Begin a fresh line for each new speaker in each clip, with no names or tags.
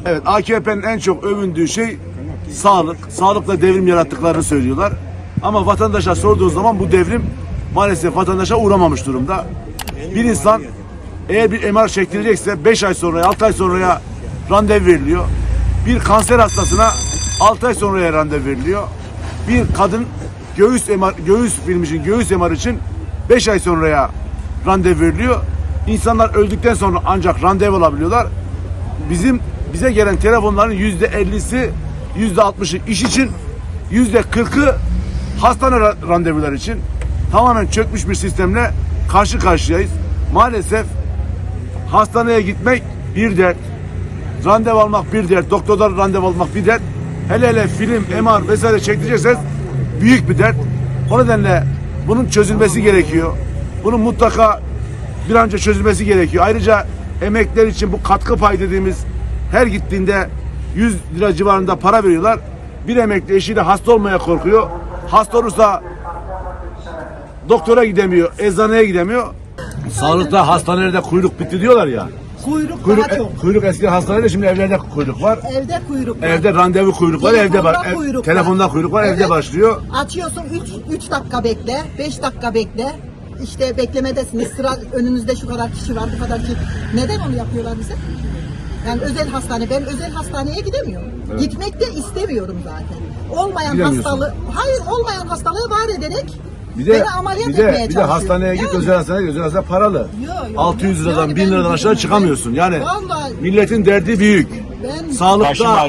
Evet, AKP'nin en çok övündüğü şey sağlık. Sağlıkla devrim yarattıklarını söylüyorlar. Ama vatandaşa sorduğu zaman bu devrim maalesef vatandaşa uğramamış durumda. Bir insan eğer bir MR çektirecekse 5 ay sonraya, 6 ay sonraya randevu veriliyor. Bir kanser hastasına 6 ay sonraya randevu veriliyor. Bir kadın göğüs filmi için, göğüs MR için 5 ay sonraya randevu veriliyor. İnsanlar öldükten sonra ancak randevu alabiliyorlar. Bize gelen telefonların %50'si, %60'ı iş için, %40'ı hastane randevular için. Tamamen çökmüş bir sistemle karşı karşıyayız. Maalesef hastaneye gitmek bir dert, randevu almak bir dert, doktordan randevu almak bir dert. Hele film, MR vesaire çektirecekseniz büyük bir dert. O nedenle bunun çözülmesi gerekiyor. Bunun mutlaka bir an önce çözülmesi gerekiyor. Ayrıca emekliler için bu katkı payı dediğimiz her gittiğinde 100 lira civarında para veriyorlar. Bir emekli eşiyle hasta olmaya korkuyor. Hasta olursa doktora gidemiyor, eczaneye gidemiyor. Sağlıkta hastanelerde kuyruk bitti diyorlar ya. Kuyruk eski hastanede, şimdi evlerde kuyruk var.
Evde kuyruk var.
Evde randevu kuyruk var, evde var. Telefonda kuyruk var, evet. Evde başlıyor.
Açıyorsun 3 dakika bekle, 5 dakika bekle. İşte beklemedesiniz. Sıra önünüzde şu kadar kişi var, bu kadar kişi. Neden onu yapıyorlar bize? Yani özel hastane, ben özel hastaneye gidemiyorum. Evet. Gitmek de istemiyorum zaten. Olmayan hastalığı var ederek beni ameliyat etmeye çalışıyor.
Bir de hastaneye git, özel hastane paralı.
Yok.
600 liradan, yani 1000 liradan aşağı çıkamıyorsun. Yani
vallahi,
milletin derdi büyük. Sağlıkta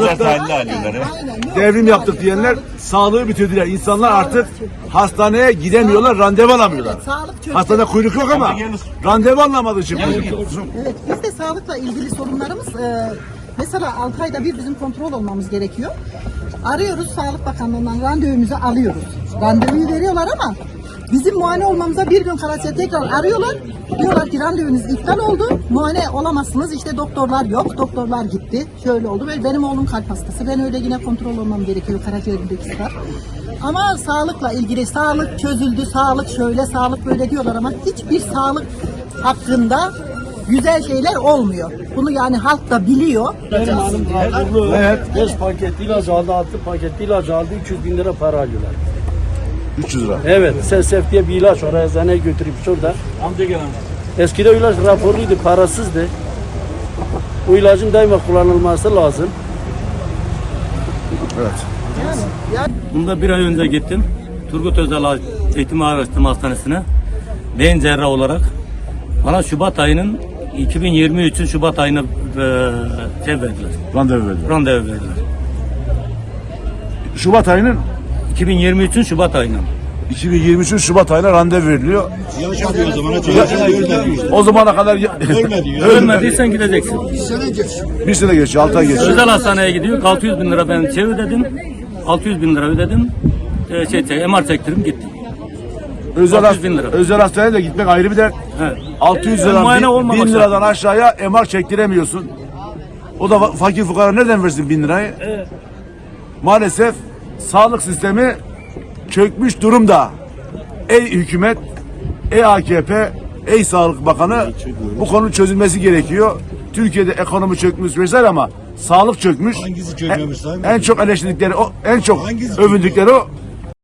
devrim yaptık diyenler sağlığı bitirdiler. İnsanlar artık hastaneye gidemiyorlar, randevu alamıyorlar. Evet, hastanede kuyruk yok ama randevu alamadığı için kuyruk yok.
Evet, biz de sağlıkla ilgili sorunlarımız mesela 6 ayda bir bizim kontrol olmamız gerekiyor. Arıyoruz, Sağlık Bakanlığı'ndan randevumuzu alıyoruz. Randevuyu veriyorlar ama bizim muayene olmamıza bir gün kala tekrar arıyorlar. Diyorlar ki randevunuz iptal oldu. Muayene olamazsınız. İşte doktorlar yok. Doktorlar gitti. Şöyle oldu. Ve benim oğlum kalp hastası. Ben öyle yine kontrol olmam gerekiyor. Karaciğerimdeki sıra. Ama sağlıkla ilgili sağlık çözüldü. Sağlık şöyle, sağlık böyle diyorlar ama hiçbir sağlık hakkında güzel şeyler olmuyor. Bunu yani halk da biliyor.
Benim hanım Abdullu, evet. 5 paket ilaç aldı, 6 paket ilaç aldı, 300 bin lira para alıyorlar.
300 lira.
Evet, SSF diye bir ilaç oraya eczaneye götürüp şurada. Amca gelen. Eskiden ilaç raporluydu, parasızdı. Bu ilacın daima kullanılması lazım.
Evet.
Bunda bir ay önce gittim. Turgut Özal Eğitim Araştırma Hastanesi'ne beyin cerrahı olarak bana Şubat ayının 2023'ün Şubat ayına verdiler. Randevu verdiler.
Şubat ayının
2023'ün Şubat ayına.
2023'ün Şubat ayına randevu veriliyor. O zamana kadar
Ölmediysen gideceksin.
bir sene geçiyor, 6 ay geçiyor.
Özel hastaneye gidiyor. 600 bin lira ben ödedim. 600 bin lira ödedim. MR çektirdim gittim.
Özel hastaneye de gitmek ayrı bir dert.
Evet.
600 liradan 1000 liradan aşağıya MR çektiremiyorsun. O da fakir fukara nereden versin 1000 lirayı?
Evet.
Maalesef sağlık sistemi çökmüş durumda. Ey hükümet, ey AKP, ey Sağlık Bakanı, bu konunun çözülmesi gerekiyor. Türkiye'de ekonomi çökmüş vesaire ama sağlık çökmüş.
Hangisi çökmemiş?
En çok eleştirdikleri o, en çok övündükleri o.